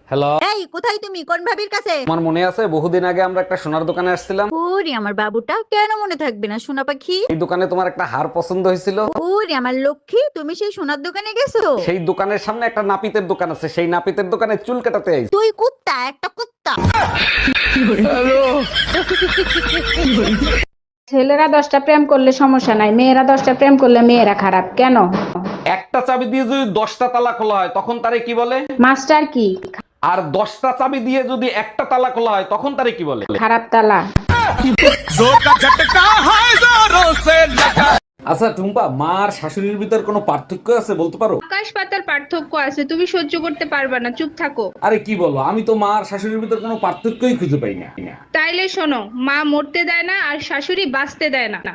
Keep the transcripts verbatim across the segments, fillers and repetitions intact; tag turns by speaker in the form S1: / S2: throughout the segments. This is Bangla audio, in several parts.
S1: হ্যালো।
S2: এই কোথায় তুমি? কোন ভাবির কাছে?
S1: আমার মনে আছে বহুদিন আগে আমরা একটা সোনার দোকানে আসছিলাম।
S2: ওরে আমার বাবুটা, কেন মনে থাকবে না সোনা পাখি?
S1: এই দোকানে তোমার একটা হার পছন্দ হয়েছিল।
S2: ওরে আমার লক্ষ্মী, তুমি সেই সোনার দোকানে গেছো?
S1: সেই দোকানের সামনে একটা নাপিতের দোকান আছে, সেই নাপিতের দোকানে চুল কাটাতে আইছি।
S2: তুই কুত্তা, একটা কুত্তা।
S3: ছেলেরা দশটা প্রেম করলে সমস্যা নাই, মেয়েরা দশটা প্রেম করলে মেয়েরা খারাপ কেন?
S1: একটা চাবি দিয়ে যদি দশটা তালা খোলা হয় তখন তারে কি বলে?
S3: মাস্টার কি?
S1: আর দশটা চাবি দিয়ে যদি একটা তালা খোলা হয় তখন তারে কি বলে?
S3: খারাপ তালা।
S1: আচ্ছা টুম্পা, মা আর শাশুড়ির ভিতর কোনো পার্থক্য আছে বলতে পারো?
S4: আকাশ পাতার পার্থক্য আছে, তুমি সহ্য করতে পারবে না, চুপ থাকো।
S1: আরে কি বলো, আমি তো মা আর শাশুড়ির ভিতর কোনো পার্থক্যই খুঁজে পাই না।
S4: তাইলে শোনো, মা মরতে দেয় না আর শাশুড়ি বাঁচতে দেয় না।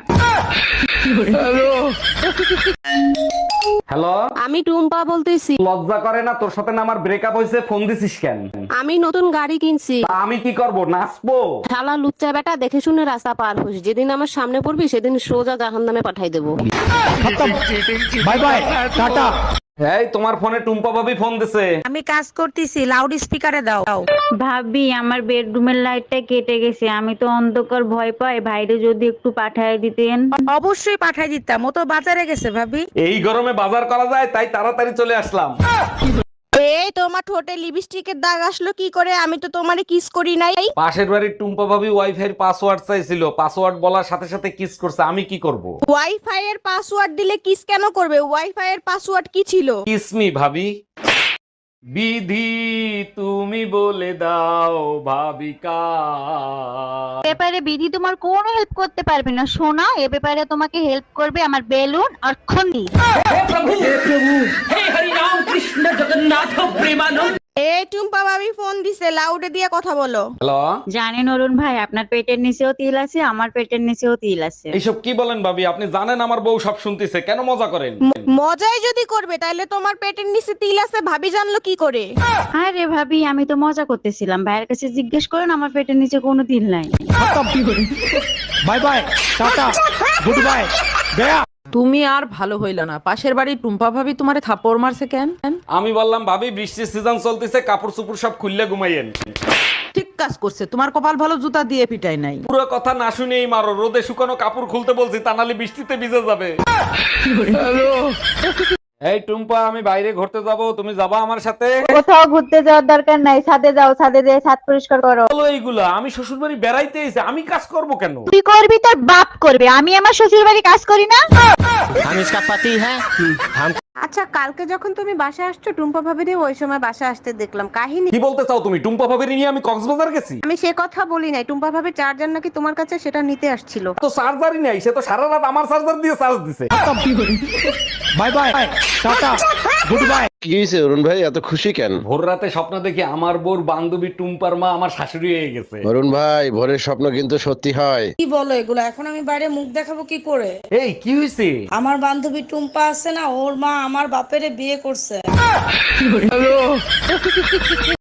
S1: হ্যালো,
S5: আমি টুম্পা বলতেছি।
S1: লজ্জা করে না তোর সাথে না আমার ব্রেকআপ হয়েছে, ফোন দিছিস কেন?
S5: আমি নতুন গাড়ি কিনছি।
S1: তা আমি কি করব, নাচবো?
S5: শালা লুচ্চা বেটা, দেখে শুনে রাস্তা পার হোস, যেদিন আমার সামনে পড়বি সেদিন সোজা জাহান্নামে পাঠাই দেবো।
S1: Bye bye, tata. এই তোমার ফোনে টুম্পা ভাবি ফোন দিছে।
S6: আমি কাজ করতেছি, লাউড স্পিকারে দাও।
S2: ভাবি, আমার বেডরুমের লাইটটা কেটে গেছে, আমি তো অন্ধকার ভয় পাই, ভাইরে যদি একটু পাঠায় দিতেন।
S6: অবশ্যই পাঠাই দিতাম, ও তো বাজারে গেছে ভাবি।
S1: এই গরমে বাজার করা যায় তাই তাড়াতাড়ি চলে আসলাম।
S6: এই তোমার ঠোঁটে লিপস্টিকের দাগ আসলো কি করে? আমি তো তোমারে কিস করি নাই।
S1: পাশের বাড়ির টুম্পা ভাবি ওয়াইফাই এর পাসওয়ার্ড চাইছিল, পাসওয়ার্ড বলার সাথে সাথে কিস করছে, আমি কি করব?
S6: ওয়াইফাই এর পাসওয়ার্ড দিলে কিস কেন করবে? ওয়াইফাই এর পাসওয়ার্ড কি ছিল?
S1: কিস মি ভাবি। বিধি তুমি বলে দাও ভাবিকা।
S2: ব্যাপারে বিধি তোমার কোনো হেল্প করতে পারবে না সোনা, এ ব্যাপারে তোমাকে হেল্প করবে আমার বেলুন আর খন্ডি।
S6: এই টুম্পা ভাবি ফোন দিছে, লাউডে দিয়ে কথা বলো।
S1: হ্যালো,
S2: জানেন অরুণ ভাই, আপনার পেটের নিচেও তিল আছে, আমার পেটের নিচেও তিল আছে।
S1: এইসব কি বলেন ভাবি? আপনি জানেন আমার বউ সব শুনতেছে, কেন মজা করেন?
S6: ম- মজাই যদি করবে তাহলে তোমার পেটের নিচে তিল আছে ভাবি জানলো কি করে?
S2: আরে ভাবি, আমি তো মজা করতেছিলাম, ভাইয়ের কাছে জিজ্ঞেস করেন, আমার পেটের নিচে কোনো তিল নাই।
S7: Bye bye, tata, goodbye, গয়া।
S8: তুমি আর ভালো হইল না, পাশের বাড়ির টুম্পা ভাবি তোমারে থাপ্পড় মারছে কেন?
S1: আমি বললাম ভাবি বৃষ্টির সিজন চলতেছে, কাপড় চোপড় সব খুললে ঘুমাইয়েন।
S8: ঠিক কাজ করছে, তোমার কপাল ভালো, জুতা দিয়ে পিটাই নাই।
S1: পুরো কথা না শুনেই মারো, রোদে শুকানো কাপড় খুলতে বলছি, তা নাহলে বৃষ্টিতে ভিজে যাবে। এই টুম্পা, আমি বাইরে ঘুরতে যাব, তুমি যাবা আমার সাথে?
S3: কোথাও ঘুরতে যাওয়ার দরকার নাই, ছাদে যাও, ছাদে যেয়ে ছাদ পরিষ্কার করো।
S1: বলো এইগুলা, আমি শ্বশুর বাড়ি বেড়াইতে এসে আমি কাজ করব কেন?
S2: তুই করবি, তোর বাপ করবে, আমি আমার শ্বশুর বাড়ি কাজ করি না।
S7: हम इसका पति है, हम
S6: আচ্ছা, কালকে যখন তুমি বাসা আসছো টুম্পা ভাবিরে ওই সময় বাসা আসতে দেখলাম, কাহিনী
S1: কি বলতে চাও তুমি? টুম্পা ভাবির নিয়ে আমি কক্সবাজার গেছি?
S6: আমি সে কথা বলি নাই। টুম্পা ভাবির চার্জার নাকি তোমার কাছে, সেটা নিতে আসছিল।
S1: তো চার্জারই নাই, সে তো সারা রাত আমার চার্জার দিয়ে চার্জ দিছে।
S7: Bye bye, tata, goodbye.
S9: কি হয়েছে অরুণ ভাই, এত খুশি কেন?
S1: ভোর রাতে স্বপ্ন দেখি আমার বোর বান্ধবী টুম্পার মা আমার শাশুড়ি হয়ে গেছে।
S9: অরুণ ভাই, ভোরের স্বপ্ন কিন্তু সত্যি হয়।
S10: কি বলো এগুলো? এখন আমি বাইরে মুখ দেখাবো কি করে?
S1: এই কি হয়েছে?
S10: আমার বান্ধবী টুম্পা আছে না, ওর মা আমার বাপেরে বিয়ে করছে।